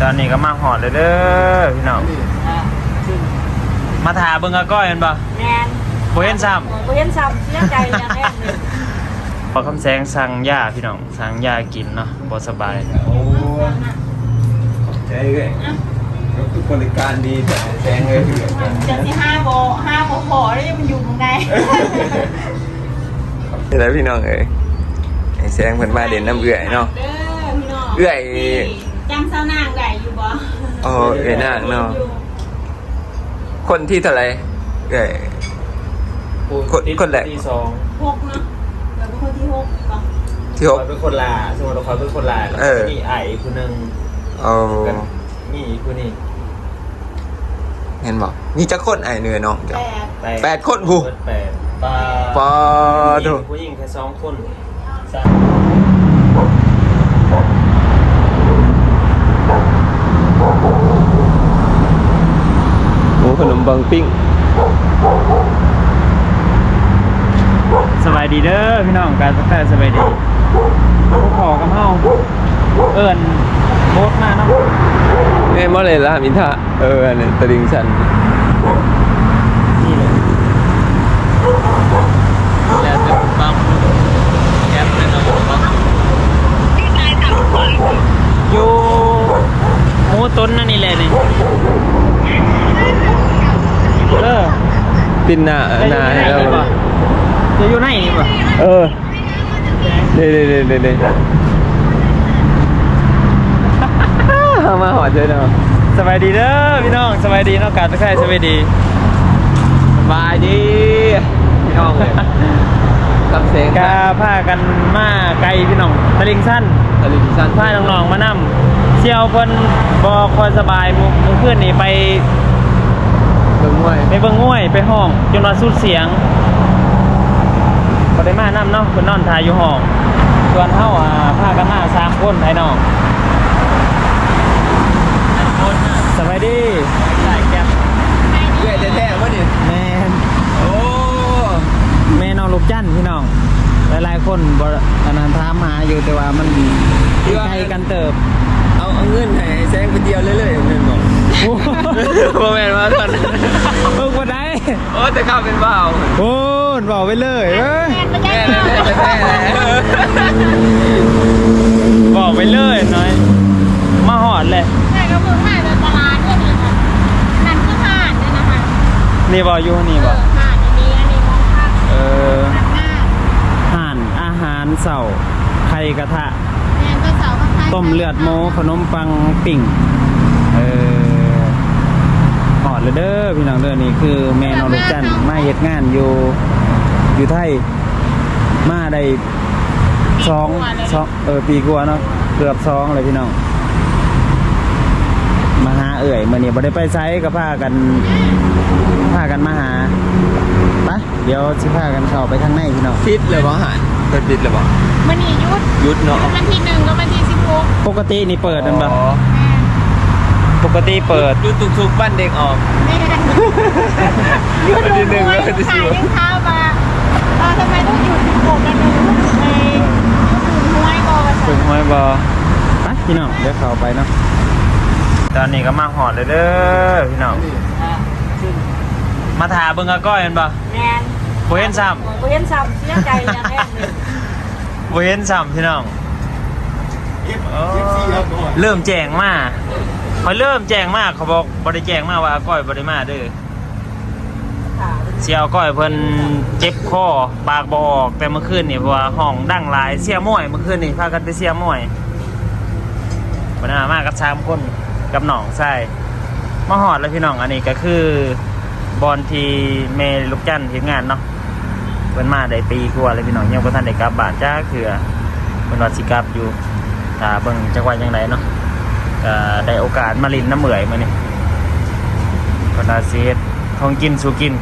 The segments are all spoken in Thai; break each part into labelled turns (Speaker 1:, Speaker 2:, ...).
Speaker 1: ตอนนี้ก็มาหอดเลยเด้อพี่น้องมาถาเบิ่งอาก้อยกันป่ะ
Speaker 2: แมน
Speaker 1: โบเห็นซ้
Speaker 2: ำโบเห็นซ้ำเสียใจอย่างแรกเลย
Speaker 1: พอคำแสงสั่งยาพี่น้องสั่งยากินเนาะบ่สบาย
Speaker 3: โอ้ใช่เลยทุกบริการดีแต่แซงเลยคือ
Speaker 2: จะที่ห้าโบพอแล้วมันอยู่ตรงไหน
Speaker 3: นี่แหละพี่น้องเอ้ยไอ้แซงเพิ่นมาเด่นน้ำเอื่อยเนาะเอื่อย
Speaker 2: จำเสานางได้อยู่บ่
Speaker 3: อ๋อเอื่อยนางเนาะคนที่เท่าไหร่เอื่อยคนแรก
Speaker 1: ที่2
Speaker 2: 6เนาะแล้วก็คนที่6ป่ะ
Speaker 3: ที่6
Speaker 1: เป็นคนลาสมมติเราคอยเป็นคนลามีไอ้คนนึงมีคนนี้
Speaker 3: เห็นบอกนี่จะคนไอ้เนื้อน้องจ้ะ8 คนผู้
Speaker 1: ปา
Speaker 3: ดู
Speaker 1: ผู้หญิงแค่2 คน
Speaker 3: หมูขนมปังปิ้ง
Speaker 1: สบายดีเด้อพี่น้องการสักแต่สบายดีพวกขอกับเฮาเอิ้นโบสมาเนาะ
Speaker 3: เมื่อไรล่ะมินทาอันนี้ตะลิงชัน
Speaker 1: นี่เลยแล้วจะปั๊มแก๊ปเลยเนาะอยู่หมูต้นนั่นนี่แหละนี่
Speaker 3: ปินหน้าให้เรา
Speaker 1: จะอยู่ไหนนี่ป่ะ
Speaker 3: เด้มาหอดเจอเนาะ
Speaker 1: สบายดีเด้อพี่น้องสบายดีเนาะการตะไคร้สบายดี
Speaker 3: สบายดีพี่น้องเลยกับเสียง
Speaker 1: กาผ้ากันมาไกลพี่น้องตะลิงสั้นผ้าน้องๆมานั่มเชี่ยวเพิ่นบ่คอยสบายมื้อคืนนี่ไป
Speaker 3: เบิ่ง
Speaker 1: ง่วยไปห้องจนว่าสุดเสียงบ่ได้มานั่มเนาะเพิ่นนอนทายอยู่ห้องส่วนเฮาผ้ากันมา3 คนไอ้น้องสบายดีใส่แก๊ป
Speaker 3: เรื่อยแท้ๆวะนี่
Speaker 1: แม่
Speaker 3: โอ้
Speaker 1: แม่น้องลูกจันพี่น้องหลายๆคนบ่อันนั้นถามหาอยู่แต่ว่ามันไกลกันเติบ
Speaker 3: เอาเงินให้แซงไปเดียวเรื่อยๆเงินบอกโมเมนต์ว่าตอน
Speaker 1: เพิ่งมาได้
Speaker 3: โอ้แต่ข้าวเป็นเบา
Speaker 1: โอ้บอกไปเลยบอกไปเลยน้อยมาหอดเลย
Speaker 2: ใช่ก็เพิ่งมาจากตลาดด้วยนี่ค่ะนั่นคือห่านด้วยนะคะ
Speaker 1: นี่บอกอยู่นี่บอก
Speaker 2: ห่านอันนี้มองภาพ
Speaker 1: ห่านอาหารเสาไข่กระทะต้มเลือดโมขนมปังปิ่งหอดเลยเด้อพี่น้องเด้อนี่คือแม่น้องลูกจันมาเฮ็ดงานอยู่ไทยมาได้2 ปีกว่าเนาะเกือบ2เลยพี่น้องมาหาเอื่อยมื่อนี้บ่ได้ไปไซก็พากันมาหาไปเดี๋ยวสิพากันเข้าไปข้างในพี่น้อง
Speaker 3: ปิดเลยบ่หานเปิดปิดเลยบ่
Speaker 2: มื่อนี้
Speaker 3: ยุดเนาะ
Speaker 2: วันที่1กับวันที่16
Speaker 1: ปกตินี่เปิดนั่นปะปกติเปิด
Speaker 3: ยุดทุกบ้านเด็กออก
Speaker 2: ยุดวันที่1แล้ววันที่16ยังเท้ามาทำไมต้องหยุด16กันไป
Speaker 1: ถึงห้วยบอไปพี่น้องเดี๋ยวเข้าไปเนาะตอนนี้ก็มาหอดเลยเด้อพี่น้องมาถาเบิ่งอาก้อยกันปะ
Speaker 2: แมน
Speaker 1: โบเห็นซ้
Speaker 2: ำเสียใจอย่างแรกเลย
Speaker 1: โบเห็นซ้ำพี่น้องเริ่มแจ้งมาเขาเริ่มแจ้งมาเขาบอกบริแจ้งมาว่าอาก้อยบริมาเด้อเสียก้อยเพิ่นเจ็บคอปากบออกแต่เมื่อคืนนี่เพราะว่าห้องดังหลายเสียม่วยเมื่อคืนนี่พากันไปเสียม่วยบรรดามากกับ3 คนกับน้องใช่มาหอดแล้วพี่น้องอันนี้ก็คือบอลที่เมลูกจันทร์เฮ็ดงานเนาะเพิ่นมาได้ปีกว่าเลยพี่น้องยังบ่ทันได้กลับบ้านจ้าคือเพิ่นว่าสิกลับอยู่ถ้าเบิ่งจังหวัดจังไดเนาะก็ได้โอกาสมาลิ้นน้ำเหมื่อยมื้อนี้ก็น่าสิเฮ็ดของกินสู่กิน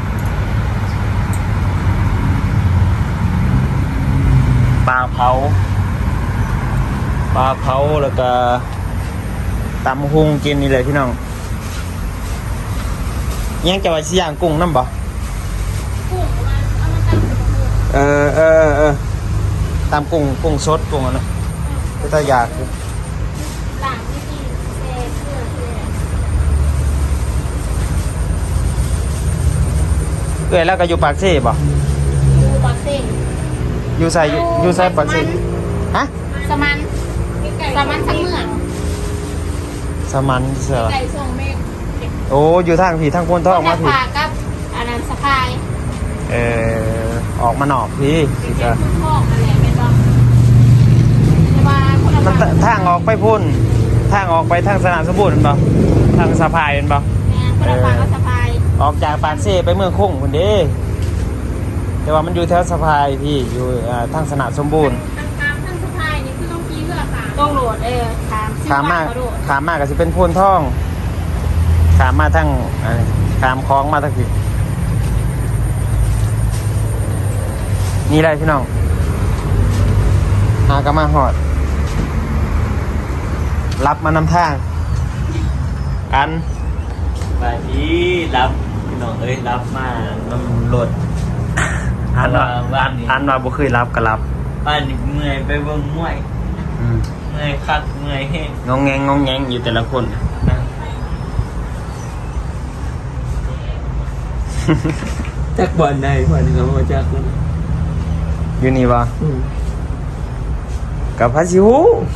Speaker 1: ปลาเผาแล้วก็ตำหุงกินนี่เลยพี่น้องยังจะไว้สิย่างกุ้งน้ำบ่ตำกุ้งสดกุ้งนะก็จะอยากอยู่
Speaker 2: หลังที่เศษเกลือ
Speaker 1: เอ้ยแล้วก็อยู่ปากเซ่บ่
Speaker 2: อยู่ปากเซ่
Speaker 1: อยู่ใส่อยู่ใส่ปากเซ่ฮะ
Speaker 2: สมันทั้งเมือง
Speaker 1: สมันเสือ
Speaker 2: ไก่ส่งเมฆ
Speaker 1: โอ้อยู่ทางผีทางพนทองมาผี
Speaker 2: พากับอันนั้นสะพาย
Speaker 1: ออกมาหนอกพี่สิ
Speaker 2: เป็
Speaker 1: ก็
Speaker 2: นคุณพ่ออะไรเป็นบ้างแต่ว่าคนละ
Speaker 1: มัน
Speaker 2: ฝั่ง
Speaker 1: ทางออกไปพุ่นทางออกไปทางสนามสมบูรณ์เป็นบ่ทางสะพายเป็นบ่
Speaker 2: คนละฝั่งก็สะพาย
Speaker 1: ออกจากปากเซ่ไปเมืองคงคนเด้แต่ว่ามันอยู่แถวสะพายพี่อยู่ทางสนามสมบูรณ์
Speaker 2: ทั้งสะพายนี่คือต้องขี่เรือค่ะต้องโหลด
Speaker 1: ขามากขามากก็สิเป็นพุ่นท่องขามมาทางขามคลองมาทางผิดนี่ได้พี่น้องหากระมาหอด รับมานำทาง อัน
Speaker 4: ไปที่รับพี่น้องเอ้ยรับมาน้ำรถ
Speaker 1: อันว่า
Speaker 4: บ้านนี้
Speaker 1: อันว่าบ่เคยรับก็รับ
Speaker 4: บ้านนี้เมื่อยไปเบิ่งมวยเมื่อยคักเมื่อยแห้ง
Speaker 1: งงแงงงงแงงอยู่แต่ละคน
Speaker 4: นะจักบอลได้บอลเขามาจักแล้ว
Speaker 1: อยู่นี่วะกับพระชิว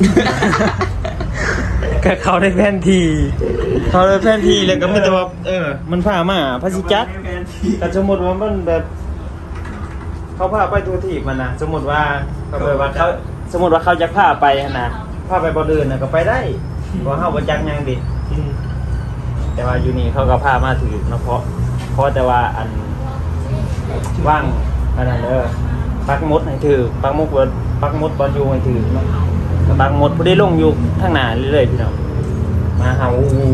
Speaker 1: ก็เขาได้แผนทีเขาได้แผนทีเลยก็ไม่แต่ว่ามันพามาพระชิจักแต่สมมติว่ามันแบบ เขาพาไปตัวที่มันนะสมมติว่าเขาสมมติว่าเขาจะพาไปนะพาไปบ่อเดินนะก็ไปได้เพราะเขาบ่จักยังดิแต่ว่าอยู่นี่เขาก็พามาถือเนาะเพราะแต่ว่าอันว่างอันนั้นปักมดให้ถือปักมดบอลอยู่ให้ถือเนาะปักมดผู้ได้ลงอยู่ข้างหน้าเรื่อยๆพี่น้องมาหา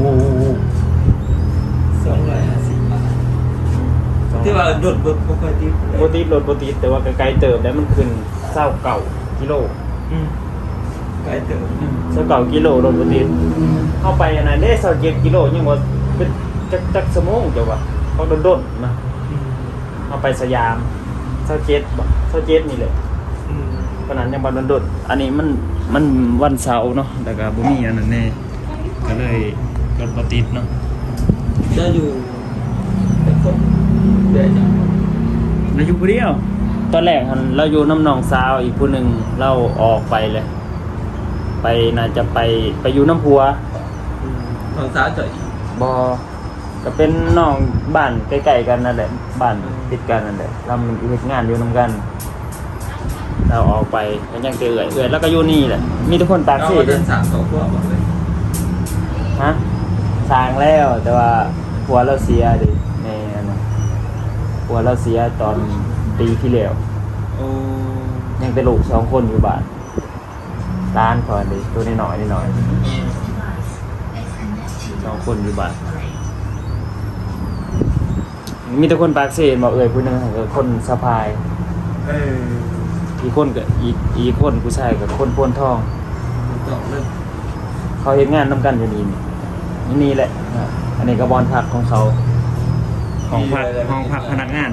Speaker 4: 250 บาทที่ว่าโดดบปกติ
Speaker 1: โบติดรถโบติดแต่ว่าไกลๆเติบแล้วมันขึ้น29กิโล
Speaker 4: ไกลเติม
Speaker 1: 29กิโลรถโบติดเข้าไปอันนั้นได้27กิโลยังว่าเป็นจักชั่วโมงเจ้าว่าเขาโดนๆนะเข้าไปสยาม27บ่27นี่แหละเพราะนั้นยังบ่โดนๆอันนี้มันวันเสาร์เนาะแล้วก็บ่มีอันนั้นแน่ก็เลยรถบ่ติดเนาะ
Speaker 4: จะอยู่เป็นคนเดี๋ยวจะ
Speaker 1: เราอยู่ผู้เดียวตอนแรกเราอยู่น้ำหนองสาวอีกผู้หนึ่งเราออกไปเลย ไปน่าจะไปอยู่น้ำพัว
Speaker 4: ของสาวจ่อย
Speaker 1: ก็เป็นน้องบ้านใกล้ๆกันนั่นแหละบ้านติดกันนั่นแหละเราเฮ็ดงานอยู่นำกัน เราออกไปก็ยังเอื่อยแล้วก็อยู่นี่แหละมีทุกคนตาก
Speaker 4: เรา
Speaker 1: สิ
Speaker 4: เดินสาม2 พวกบอกเลย
Speaker 1: ฮะสร้างแล้วแต่ว่าผัวเราเสียดิในอันนั้นผัวเราเสียตอนปีที่แล้ว
Speaker 4: โอ้
Speaker 1: ยังเป็นลูก2 คนอยู่บ้านร้านก่อนดิตัวน้อยๆ2 คนอยู่บ้านมีแต่คนปากเสียบอกผู้หนึงก็คนสะพายอีกคนกับอีกคนผู้ชายกับคนโพนทอง
Speaker 4: ต่อเริ่ม
Speaker 1: เขาเฮ็ดงานนำกันอยู่นี่แหละอันนี้ก็บอนพักของเขาห้องพักพนักงาน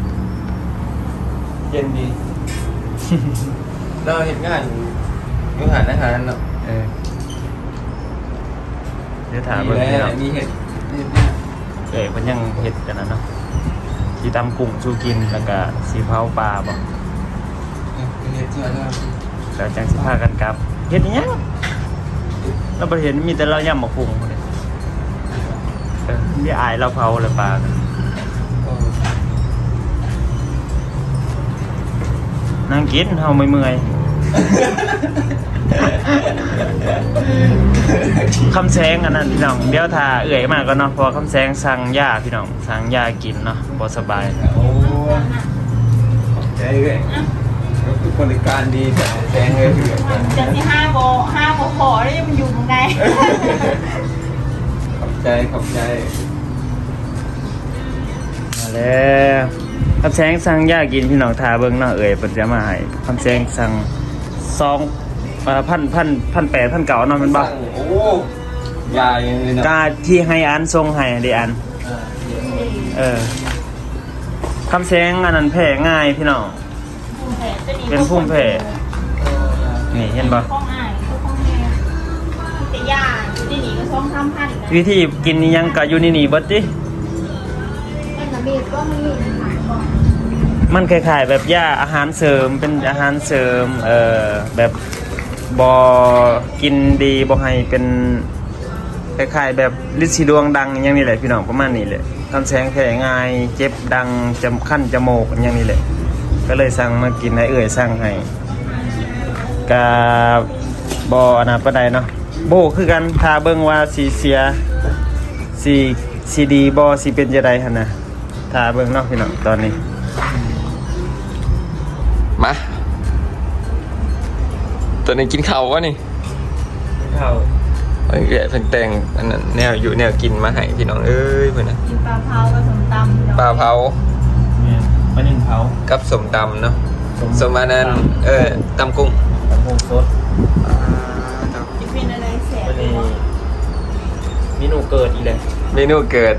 Speaker 3: เย็นดี เราเห็นงานอยู่หาดอาหารเนาะ
Speaker 1: เดี๋ยวถามเบิ่งพี่น้อง
Speaker 3: มีเห็ด
Speaker 1: มันยังเฮ็ดกันนะเนาะสิตำกุ้งสู้กินแล้วก็สิเผาปลาบ่
Speaker 3: เห็ดเชื่อแล้ว
Speaker 1: แล้วจังสิพากันกลับเฮ็ดอีหยังเราบ่เห็นมีแต่เราย่ำบักหุ่งนี่มีอายเราเผาแล้วปลากันนั่งกินเฮาไม่เมื่อยคำแสงอันนั้นพี่น้องเดี๋ยวถ้าเอื่อยมากก็เนาะเพอคำแสงสั่งยาพี่น้องสั่งยากินเนาะบ่สบาย
Speaker 3: โอ้ใจเลยคือบริการดีแต่แซงเลยคือ
Speaker 2: จะที่5 โบขอแล้วมันอยู่ตรงไหน
Speaker 3: ขอบใจ
Speaker 1: มาแล้วคำแสงสั่งยากินพี่น้องทาเบิ่งเนาะเอ่ยเพิ่นจะมาให้คำแสงสั่ง1,800 1,900เนาะแม่นบ่
Speaker 3: โอ้ยาอย่างนี้เนาะ
Speaker 1: กาที่ให้อันส่งให้ดิอันคำแสงอันนั้นแพ้ง่ายพี่น้องเป็นภูมิแพ้นี่เห็นบ่
Speaker 2: ข้องอ่านข้องแม่แต่ยาอยู่ที่นี่ก็2-3,000
Speaker 1: วิธีกินนี่ยังก็อยู่นี่เบิดติ
Speaker 2: เป็นระเบียบก็มีค่ะ
Speaker 1: มันคล้ายๆแบบย่าอาหารเสริมเป็นอาหารเสริมแบบบอกินดีบ่ให้เป็นคล้ายๆแบบฤทธิ์สีดวงดังอย่างนี้แหละพี่น้องประมาณนี้แหละคันแสงแพ้ง่ายเจ็บดังจำขั้นจมูกอย่างนี้แหละก็เลยสั่งมากินให้สั่งให้กะบ่อนะปานใดเนาะโบคือกันถ้าเบิ่งว่าสีเสียสีดีบ่สิเป็นจังไดหั่นน่ะถ้าเบิ่งเนาะพี่น้องตอนนี้
Speaker 3: มาตัวนี้กินข้าววะนี่
Speaker 1: ข้าว
Speaker 3: เอ้ยเพิ่นแต่งอันนั้นแนวอยู่แนวกินมาให้พี่น้องเอ้ยเพิ่นน่ะ
Speaker 2: กินปลาเผากับสมตำ
Speaker 3: ปลาเผา
Speaker 1: เนี่ยปลานิ่มเผา
Speaker 3: กับสมตำเนาะสมอันนั้นตำกุ้ง
Speaker 1: ตำปูสด
Speaker 2: จะเป็นอะไรแสบ
Speaker 1: วันนี้เมนูเกิดอีกเลย
Speaker 3: เมนูเกิด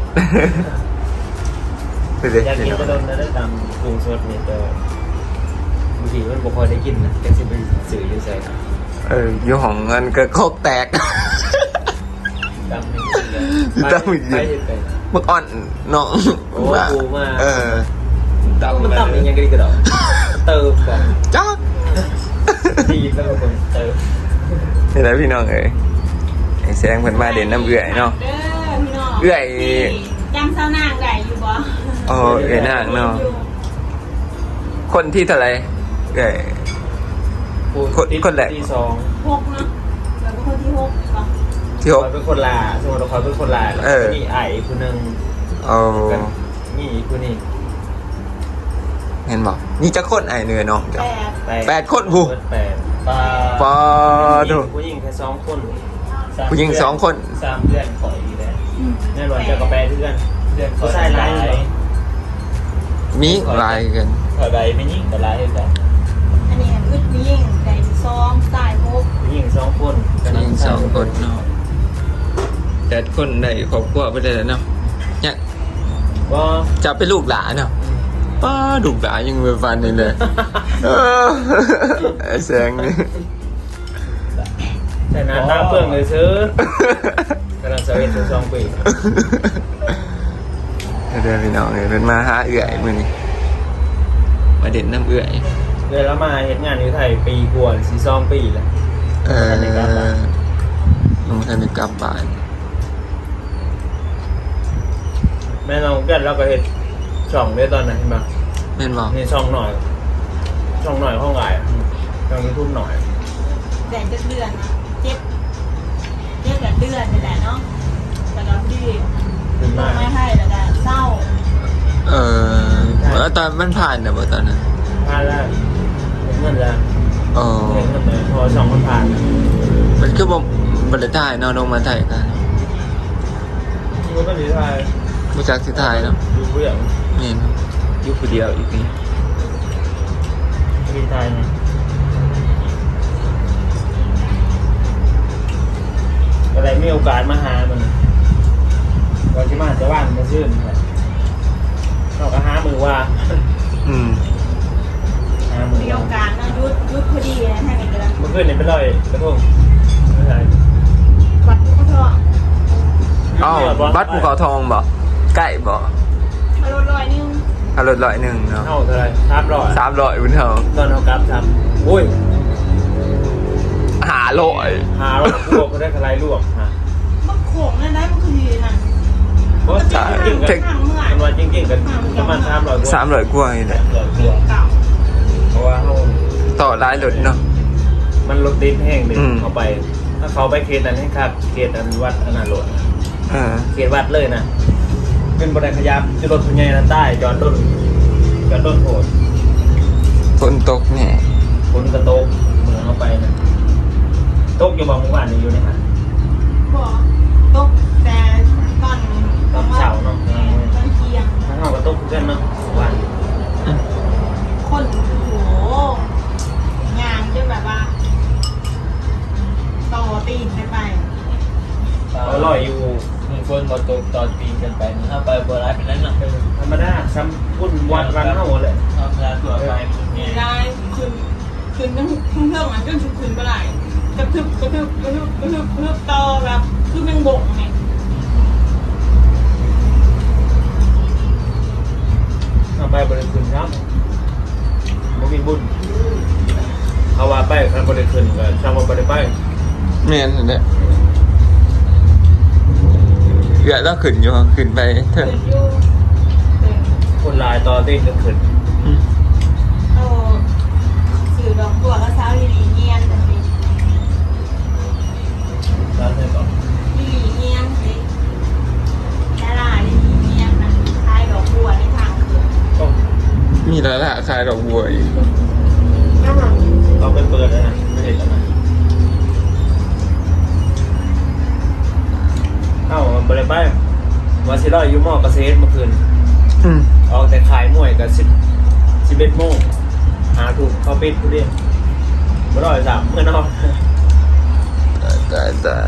Speaker 1: อยากกินกระดมได้ตำปูสดนี่แต่บางทีมันบ่ค่อยได้กินนะแต่สิไปซื้ออยู่ไส
Speaker 3: อยู่ห้องเงินก็โคกแตก
Speaker 1: ตำนี่
Speaker 3: ตำอีก
Speaker 1: ไปเฮ็ดไป
Speaker 3: มึกอ่อนน้อง
Speaker 1: โอ้ปูมา
Speaker 3: ตำ
Speaker 1: ตำนี่ยังก็ดีกระดอกเติมก่อน
Speaker 3: จ๊อก
Speaker 1: ดีแล้วก็คนเติม
Speaker 3: นี่แหละพี่น้องเอ้ยไอ้แสงเพิ่นมาเด่นน้ำเอื่อยเนาะ
Speaker 2: เด้อพี่น้อง
Speaker 3: เอื้อย
Speaker 2: จำเสานางได้อยู่บ่
Speaker 3: เอ้ยนางเนาะคนที่เท่าไหร่เอ้ย คนแรก
Speaker 1: ที่สอง
Speaker 2: หกเนาะแล้วก็คนที่หกป่ะ
Speaker 3: ที่หก
Speaker 1: คอยเป็นคนลาสมมติเราคอยเป็นคนลาแล้วก็มีไอ้คนหนึ่ง
Speaker 3: เอา
Speaker 1: กันนี่คนนี้
Speaker 3: เห็นบอกนี่จะคนไอ้เหนื่อยน้องจ้ะ
Speaker 2: แปด
Speaker 3: 8 คนผู้
Speaker 1: แปดปลา
Speaker 3: ปอดู
Speaker 1: ผู้หญิงแค่2 คน
Speaker 3: ผู้หญิง2 คน
Speaker 1: 3 เดือนขออีกแล้วแน่นอนจะกระแปเพื่อนผู้ชายร้ายเลย
Speaker 3: มีหลายกัน
Speaker 1: ขอใบไม่ยิ่งแต่ร้ายเลยแต่
Speaker 2: อันนี้อึดยิ่งได้ซองตายหก
Speaker 1: ผู้หญิง2 คน
Speaker 3: ผู้หญิง2 คนเนาะ8 คนได้ครอบครัวไปได้แล้วเนาะเนี่ย
Speaker 1: ก็
Speaker 3: จะเป็นลูกหลานเนาะป้าลูกหลานยังมือฟันนี่เลยไอ้แสงนี่
Speaker 1: แต่หน้าตาเปื่องเลยซื้อกำลังจะเป็น2 ปี
Speaker 3: เดี๋ยวพี่น้องเนี่ยเป็นมาหาเอื่อยมือนี่มาเด่นน้ำเอื่อย
Speaker 1: เดือนแล้วมาเห็นงานอยู่ไทยปีกว่าสี2 ปีแล้ว
Speaker 3: น้องท่านได้กลับบ้าน
Speaker 1: แม่น้องกันเราก็เห็นช่องด้วยตอนนั้นเห็นปะ
Speaker 3: แม่นบอก
Speaker 1: นี่ช่องหน่อยห้องไหลช่องยูทูบหน่อย
Speaker 2: แต่จะเดือนนะเจ็บกับเดือนนี่แหละเนาะแต่ก็ดี
Speaker 1: ขึ้นมา
Speaker 2: ไม่ให้แล้วก็เศร้า
Speaker 3: แล้วตอนมันผ่านเนี่ยบ่ตอนนั้น
Speaker 1: ผ่านแล้วเห็นเงินแล้ว
Speaker 3: อ๋อ
Speaker 1: เห็นเงินเลยพอช่องมันผ่าน
Speaker 3: มันคือบ่บ่ได้ถ่ายเนาะลงมาถ่ายกัน
Speaker 1: มันก็ดีไทย
Speaker 3: บ่จักสิถ่ายเนาะ
Speaker 1: ดูผู้ใหญ่
Speaker 3: แม่นอยู่ผู้เดียวอีกนี่
Speaker 1: ดีไทยนะอะไรมีโอกาสมาหามันก่อนที่มาจะว่านมาชื่นเราก็หามือว่า
Speaker 3: อืม
Speaker 1: หามือ
Speaker 2: มีโอกาสนะยุดพอดีนะให้กันกัน
Speaker 1: เมื่อคืนเนี่ยเป็นรอยกระทงไม่ใช่
Speaker 2: วัดก็เถอะ
Speaker 3: อ้าวบัดภูเขาทองบ่ใกล้บ่
Speaker 2: มาลด100นึง
Speaker 3: ถ้ารถ101เนาะ
Speaker 1: เท่าเท่าไร300
Speaker 3: 300อุ่นเฮา
Speaker 1: ตอนเขากลับทำอุ้ย
Speaker 3: 500
Speaker 1: หาลวกก็ได้กระไรลวกฮะ
Speaker 2: มันโขงนั่นได้มันคือดีนะ
Speaker 1: เพราะจริงๆกันมันว่าจริงๆกันประมาณ300
Speaker 3: 300กว่านี่แหละ
Speaker 2: เก่า
Speaker 1: เพราะว่าเขา
Speaker 3: ต่อหลายรถเนาะ
Speaker 1: มันรถติดแห้งเลย
Speaker 3: อืม
Speaker 1: เขาไป ถ้าเขาไปเขตนั้นให้ครับเขตอันวัดอนาโรด เขตวัดเลยนะเป็นบริขยับจะรถพญายนั้นใต้จอดต้นโหด
Speaker 3: ฝนตกแน่
Speaker 1: ฝนกระโตกเมืองเขาไปนะตกอยู่บางหมู่บ้านนี่อยู่ในหัน
Speaker 2: บอกตกแต่ตอนตอนเที่ยง
Speaker 1: ถ้าเขาก็ตกเพื่อนเนาะหมู่บ้าน
Speaker 2: คนโอ้โหงานจะแบบว่าต่อตีนไป
Speaker 1: อร่อยอยู่
Speaker 4: มีคนมาตกตอนปีนกันไปถ้าไปโบราณเป็นนั้นหรอก
Speaker 1: ธรรมดาซ้ำพุ่นวัดวันเท่าเลย
Speaker 4: ธรรมดาตัวไปมันมี
Speaker 2: ได้คืนทั้งเรื่องมันก็คืนเมื่อไหร่กระทึบต่อแบบคือแมงบงไง
Speaker 1: เอาไปบริคืนครับบ่มีบุญเอาว่าไปคันบริคืนก็ช่างว่าบริไป
Speaker 3: แม่นนั่นแหละเกือแล้วขึ้นอยู่ขึ้นไปเถ
Speaker 2: เกิ
Speaker 3: อะ
Speaker 2: ดอยู่เออ
Speaker 1: คนลายต่อตีนก็ขึ้น
Speaker 2: เอาสื่อดอกบัวก็เช้าลีลีเงียนแต่สิ
Speaker 1: แล้วใช่ก่อน
Speaker 2: ลีลีเงียนสิดาราลีลีเงียนนะคลายดอกบัวในทางเกิด
Speaker 1: ต้อง
Speaker 3: มีแล้วล่ะขายดอกบัวอีก
Speaker 1: ต้องไปเปิดแล้วนะไม่เห็นแล้วนะเอ้าบริไปว่าสิร้อยอยู่หม้อเกษตรเมื่อคืน
Speaker 3: อืม
Speaker 1: ออกแต่ขายมวยกัน11 โมงหาถูกเขาปิดผู้เดียวบ่ร้อยสามเมื่อนอน
Speaker 3: ตาย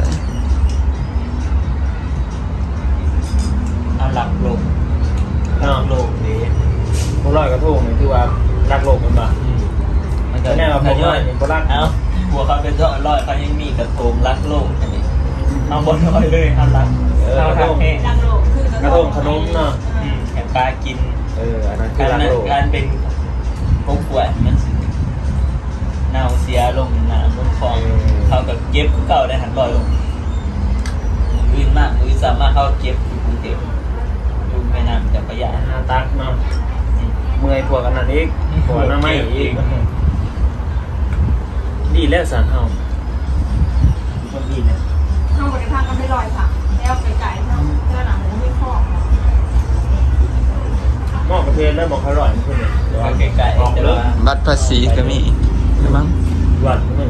Speaker 4: เอาหลักโลกหลักโลกนี้
Speaker 1: บ่ร้อยกระทงนี่คือว่ารักโลกมันบ่
Speaker 4: มันก็
Speaker 1: แน่ว่าผมว่าบ่รัก
Speaker 4: เอ้าหัวเขาเป็นร้อยเขายังมีกระทงรักโลกอันนี้เอาบนร้อยเลยเอารักเอาทางแห้ง
Speaker 2: ดังโลกคือก
Speaker 1: ระทงขนมเนาะ
Speaker 4: แข่งปลากิน
Speaker 1: อันนั้นคื
Speaker 4: กา
Speaker 1: อ
Speaker 4: ร
Speaker 1: รักโลก
Speaker 4: การเป็นพวกป่วยมันสิเน่าเสียลงน้ำลงคลองเขากับเก็บเก่าได้หันลอยลงมือมากมือสามารถเข้าเก็บอยู่กรุงเทพอยู่แม่น้ำเจ้าพระยา
Speaker 1: หาตักเนาะเมื่อยพวกอันนั้นอีกพวกนั้นไม่อีกดีแล้วสารเฮา
Speaker 4: คนดีเนี่ย
Speaker 2: ข้างบนทางก็ไม่ลอยค่ะแล้วไก่ๆเนาะเจ้าหนังมันไม่คล้อง
Speaker 1: หม้อกระเทียมแล้วบอกเขาอร่อยมันขึ้นเลย
Speaker 4: ก็ใกล้
Speaker 1: ออก
Speaker 4: ๆแต่
Speaker 1: เลย
Speaker 4: ว่า
Speaker 3: บัตรภาษีก็มีหรือมั้ง
Speaker 1: หวานมัน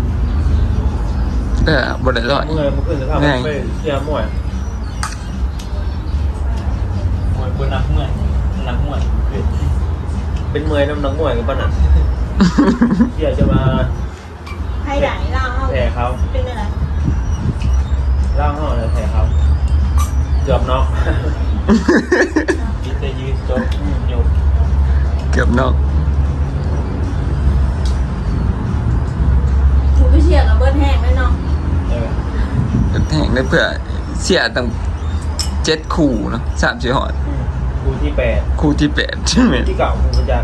Speaker 3: บริร้อย
Speaker 1: เมื่อยมันขึ้นจะทำไปเที่ยวมวย
Speaker 4: มวยบนนักมวยนักมวย
Speaker 1: เป็นเมื่อยน้ำหนักมวยกับปะน่ะเที่ยวจะมา
Speaker 2: ให้ไหนเล่าเอา
Speaker 1: แผ่เขา
Speaker 2: เป็นอะไร
Speaker 1: เล่าห่อเลยแผ่เขาเกือบน็อก
Speaker 4: คิดจะยืนจบโยก
Speaker 3: เกือบนอก
Speaker 2: ถูกไปเชียร์กับเบิร์ดแห้งแน่นอน
Speaker 3: แห่งได้เพื่อเสียตั้ง7 คู่เนาะ3 4 หอด
Speaker 1: คู่ที่8
Speaker 3: คู่ที่8ใช่ไหม
Speaker 1: ที่เก่าคู่ประจักษ์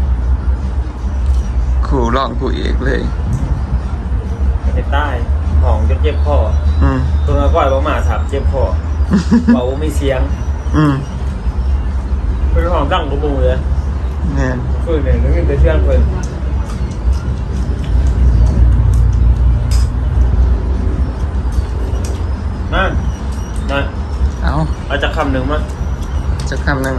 Speaker 3: คู่รองคู่เอกเลย
Speaker 1: ในใต้ของจนเจ็บคอ
Speaker 3: อืม
Speaker 1: ตัวน้อยก้อยบ่มาถามเจ็บคอเบาไม่เสียง
Speaker 3: อืม
Speaker 1: เป็นของดังกระปูเลย
Speaker 3: แน่น
Speaker 1: คือเนี่ยนึกถึงเชื่อนเพิ่นนั่น
Speaker 3: เอา
Speaker 1: เอาจากคำหนึ่งมั้ย
Speaker 3: จะคำหนึ่ง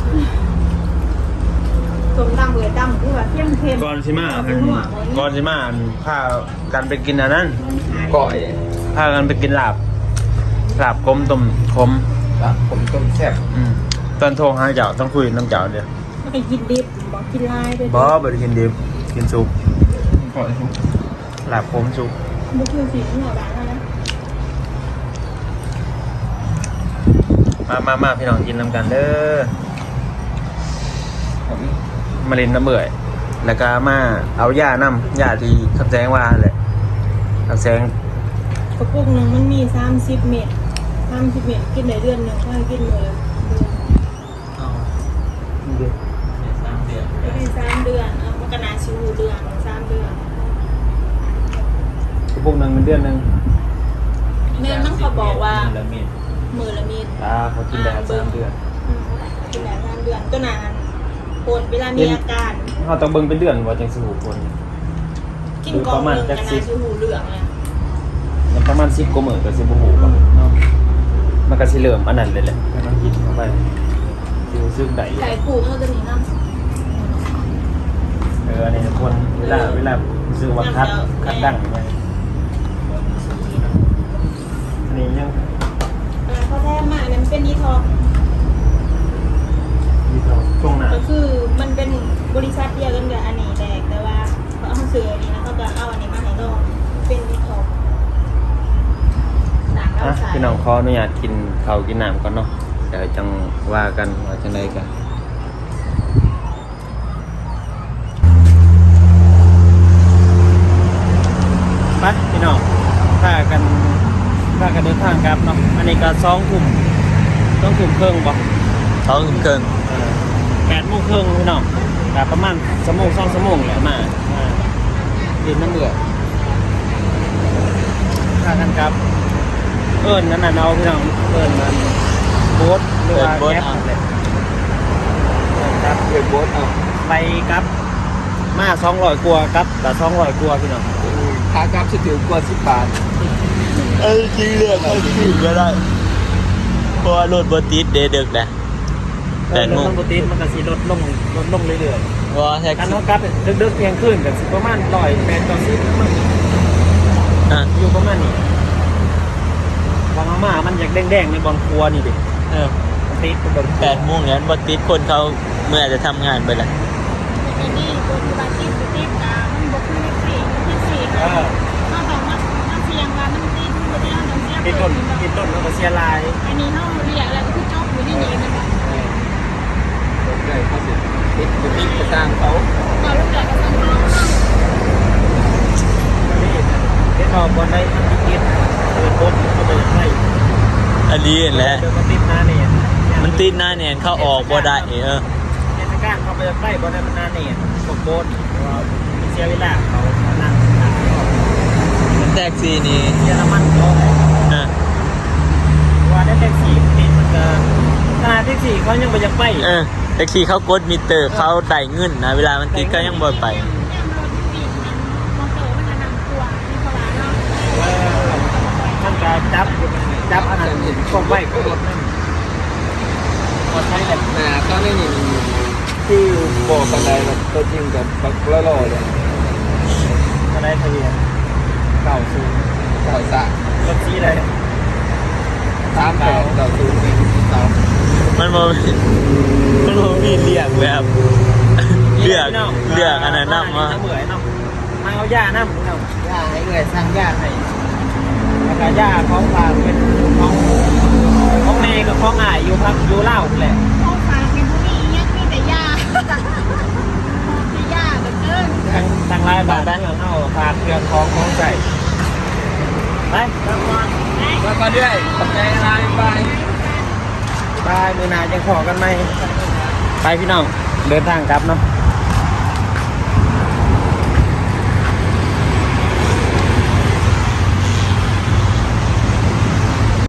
Speaker 2: สมดำเลยดำคือว่าเข้มเข้ม
Speaker 1: ก่อนสิมาก่อนสิมาพากันไปกินอันนั้น
Speaker 3: ก่อย
Speaker 1: พากันไปกินลาบกลมต้มขม
Speaker 3: ผมต้มแซ่บ
Speaker 1: ตอนโทรหาเจ้าต้องคุยน้ำเจ้าเดียว
Speaker 2: ไม่ได้กินดิบบอกกินลายด้วย
Speaker 1: บ่ได้กินดิบกินซุป
Speaker 3: ก่อย
Speaker 1: ลาบขมซุป
Speaker 2: บุกคือสีหัวร้านนะ
Speaker 1: มาพี่น้องกินน้ำกันเด้อมาเล่นน้ำเบื่อยแล้วก็มาเอาย่าน้ำย่าที่คำแสงว่าแหละคำแสง
Speaker 2: กระปุกหนึ่งมันมี30 เม็ด30 เม็ดกินได้เดือนหนึ่งก็ให้กินเลย
Speaker 4: เอา3 เดือน
Speaker 2: ไม่ได้3 เดือนเอามันก็นาชิวเดือน3 เดือน
Speaker 1: กระปุกหนึ่งเดือนหนึ่ง
Speaker 2: แม่มันเขาบอกว่า
Speaker 4: ละเมียด
Speaker 2: มือละเม็ด
Speaker 1: เขากินได้3 เดือน
Speaker 2: กินได้3 เดือนก็นานปวดเวลามีอาการ
Speaker 1: เขาต้องเบิ่งเป็นเดือนว่าจังสิหูคน
Speaker 2: กินกองหนึ่งก็นาชิวเหลืองเลย
Speaker 1: มันประมาณ10 กว่ามื้อก็สิบ่หูป่ะเนาะมันก็สิเริ่มอันนั้นเลยแหละก็ต้องกินเข้าไปสิรู้สึกได้
Speaker 2: ไก่ปูมันจะมีน้ำ
Speaker 1: อันนี้คนเวลารู้สึกว่าคัดดังไงอันนี้ยัง
Speaker 2: เขาแท้มากเนี่ยมันเป็นดีท็อก
Speaker 1: มีช่วงหน้า
Speaker 2: ก็คือมันเป็นบริษัทเดียวกันกับอันนี้แต่ว่าเขาซื้ออันนี้แล้วเขาก็เอาอันนี้มาให้ลองเป็นดีท็อกต่างเราใส่
Speaker 1: พี่น้องขออนุญาตกินข้าวกินน้ำก่อนเนาะเดี๋ยวจังว่ากันว่าจังไดกันไปพี่น้องพากันเดินทางกลับเนาะอันนี้ก็2 ทุ่มครึ่งบ่
Speaker 3: ท้องเกิน
Speaker 1: 8 โมงครึ่งพี่น้องแต่ประมาณ2 ชั่วโมงแหละมาดินน้ำเบื่อถ้ากันครับนั่นน่ะเอาพี่น้องมันโบ๊ทหรือว่าแก๊ปเลยครับ
Speaker 3: เกิดโบสเอา
Speaker 1: ไปครับมา200 กว่าครับแต่200 กว่าพี่น้อง
Speaker 3: ค่ากราฟจะถือกว่า10 บาท
Speaker 4: จริงเรื่องเขาถือก็ได้เพราะว่ารถบติดเดึกนะ8 โมง
Speaker 1: ปกติมันก็สิลดลงเรื่อย
Speaker 4: ว่าแท็ก
Speaker 1: ๆการ
Speaker 4: ซี่
Speaker 1: เขากลับดึกๆเที่ยงคืนก็สิประมาณ108 ต่อ10มัน
Speaker 4: อ่ะ
Speaker 1: อยู่ประมาณนี้วางมามันอยากแดงๆในบอลครัวนี่ดิ
Speaker 4: เออ
Speaker 1: มันติดบน
Speaker 4: 8 โมงเนี่ยบติดคนเขาเมื่อจะทำงานไปละ
Speaker 5: แต่นี่ตัวที่ว่าติดมันบ่คือสี่เขาต้องมาเสียงว่ามันติดมันบ่ได้ต้องเสีย
Speaker 1: ติดต้นแล้วก็เสียลาย
Speaker 5: อันนี้เฮาเรียกแล้วก็คือจบอยู่นี่นี่มันบ่
Speaker 3: เลยเขาสิติดกระสร้างเขา
Speaker 5: ก็รู้จักกันเนาะ
Speaker 1: นี่เด็กออกบอลได้ติดโคตรเขาเดินให้
Speaker 4: อันนี้แหละ
Speaker 1: เดินมาติดหน้าเนี่ย
Speaker 4: มันติดหน้าเนี่ยเข้าออกบ่ได้
Speaker 1: เทศกาลเขาไปใกล้บอลได้มันหน้าเนี่ยพวกโบสมีเสียเวลาเขานั่งทาง
Speaker 4: แท็กซี่นี่
Speaker 1: เยอรมันเขา ว่าได้แท็กซี่ติดมันก็ถ้าแท็กซี่เขายังไปยังไป
Speaker 4: แท็กซี่เขากดมิเตอร์เขาได้เงินนะเวลามันติดก็ยังบ่ไป
Speaker 5: แม่รถติดมันมอเตอร์มันนำตัวนี่เขาว่าเนาะ
Speaker 1: มันก็จับอันนั้นส่งไปก็รถนั่นพอใช้แหละ
Speaker 3: ก็ไม่มีที่บอกกันได้แบบตัวจริงกับบักละลอเลย
Speaker 1: ก็ได้ทะเบียนเก่าซู
Speaker 3: เก่าสะ
Speaker 1: รถที่อะไร
Speaker 3: 38เก่าสูงเป็นเก่า
Speaker 4: มันบ่มีเรียกแบบเลือกอันนั้นนำว่า
Speaker 1: เหมือนเนาะมาเอาย่าน้ำเนาะย่าให้เงยสร้างย่าให้แล้วก็ย่าของฝากเป็นของแม่กับของอ้ายอยู่พักอยู่เล่าแหละ
Speaker 5: เขาฝากในบุรียังมีแต่ยาแต่ยาเหลือเกิน
Speaker 1: ทางไลน์บาทได้เงินเอาฝากเครื่องของใส่ไปแล้วก็
Speaker 3: แล้วก็ด้วยขอบใจอะไรบาย
Speaker 1: บายมือหนายังขอกันไหมไปพี่น้องเดินทางกลับเนาะ